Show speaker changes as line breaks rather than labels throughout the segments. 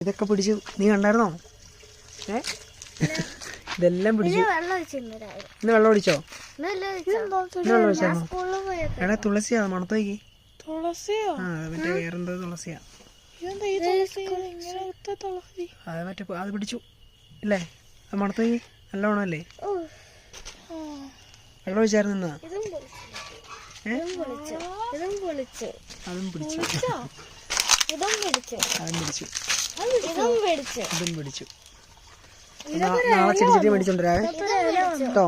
ഇതൊക്കെ പിടിച്ചു, നീ കണ്ടായിരുന്നോ? ഇതെല്ലാം പിടിച്ചു. ഇന്ന് വെള്ളം ഒഴിച്ചോ? ഇന്ന് വെള്ളം ഒഴിച്ചായിരുന്നോ? എടാ തുളസിയാ, മണത്തോയ്ക്ക്. ആ മറ്റേ വേറെന്തോ തുളസിയാ. അത് മറ്റേ അത് പിടിച്ചു അല്ലേ? അത് മണത്തോയ്ക്ക് നല്ലോണം അല്ലേ? വെള്ളം ഒഴിച്ചായിരുന്നു ഇന്ന്. അതും പിടിച്ചു. അതും പിടിച്ചു. നാളെ ചെടി മേടിച്ചോണ്ടിരാവേ കേട്ടോ.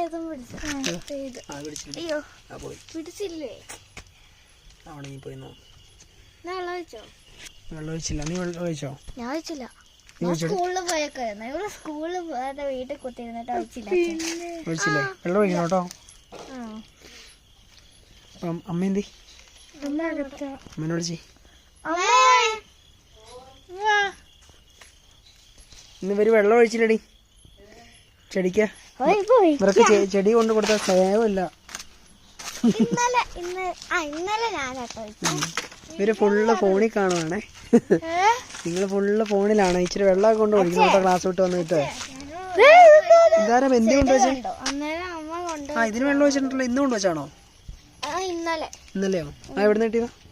വെള്ളം ഒഴിച്ചില്ല. നീ വെള്ളം ഒഴിച്ചോ?
ഞാൻ ഒഴിച്ചില്ല. സ്കൂളിൽ പോയേക്കായിരുന്നു. ഇവിടെ സ്കൂളിൽ പോകാതെ വീട്ടിൽ കുത്തിരുന്നിട്ട്
ഒഴിച്ചില്ലേ? വെള്ളം ഒഴിക്കണം കേട്ടോ. അപ്പം അമ്മ എന്തി? അമ്മേനോട് ചെയ്. ഇന്ന് ഇവര് വെള്ളം ഒഴിച്ചില്ലടി ചെടിക്ക്. ഇവർക്ക് ചെടി കൊണ്ട് കൊടുത്ത സേവമില്ല. ഇവര് ഫുള്ള് ഫോണിൽ കാണുവാണേ. നിങ്ങൾ ഫുള്ള് ഫോണിലാണ്. ഇച്ചിരി വെള്ളം കൊണ്ട് ഒഴിക്കണം കേട്ടോ ക്ലാസ് വിട്ട് വന്നിട്ട്. ഇതാരാ എന്തി കൊണ്ടുവച്ചേ? ആ ഇതിന് വെള്ളം വെച്ചിട്ടുണ്ടല്ലോ. ഇന്ന് കൊണ്ടുവച്ചാണോ? ഇന്നലെയോ? ആ എവിടെ നിന്ന് കിട്ടിയതാ?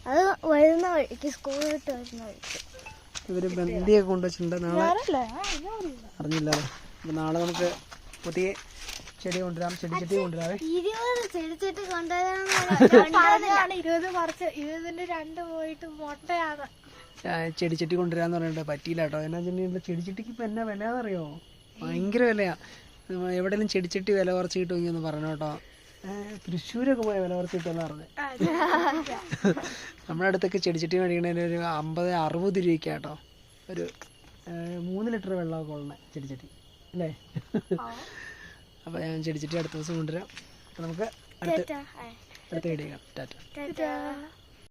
ഇവര് ബന്ധിയൊക്കെ കൊണ്ടുവച്ചിട്ടുണ്ട്. നാളെ അറിഞ്ഞില്ല. അപ്പൊ നാളെ നമുക്ക് പുതിയ ചെടി കൊണ്ടുവരാം. ചെടി കൊണ്ടുവരാവേ. ചെടിച്ചട്ടി കൊണ്ടുവരാന്ന് പറഞ്ഞിട്ട് പറ്റിയില്ല കേട്ടോ. എന്നാ വെച്ചിട്ടുണ്ടെങ്കിൽ ചെടിച്ചട്ടിക്ക് ഇപ്പൊ എന്നാ വിലയാണെന്നറിയോ? ഭയങ്കര വിലയാ. എവിടെയെങ്കിലും ചെടിച്ചട്ടി വില കുറച്ച് കിട്ടുമെങ്കിൽ ഒന്ന് പറഞ്ഞു കേട്ടോ. തൃശ്ശൂരൊക്കെ പോയ വില കുറച്ച് കിട്ടുമെന്ന് പറഞ്ഞു. നമ്മുടെ അടുത്തൊക്കെ ചെടിച്ചട്ടി മേടിക്കണതിന് ഒരു 50-60 രൂപയ്ക്കാണ് കേട്ടോ. ഒരു 3 ലിറ്റർ വെള്ളമൊക്കെ ഉള്ള ചെടിച്ചട്ടി അല്ലേ? അപ്പോൾ ഞാൻ ചെടിച്ചട്ടി അടുത്ത ദിവസം കൊണ്ടുവരാം. അപ്പോൾ നമുക്ക് അടുത്ത വീഡിയോ കാണാം. ടാറ്റ.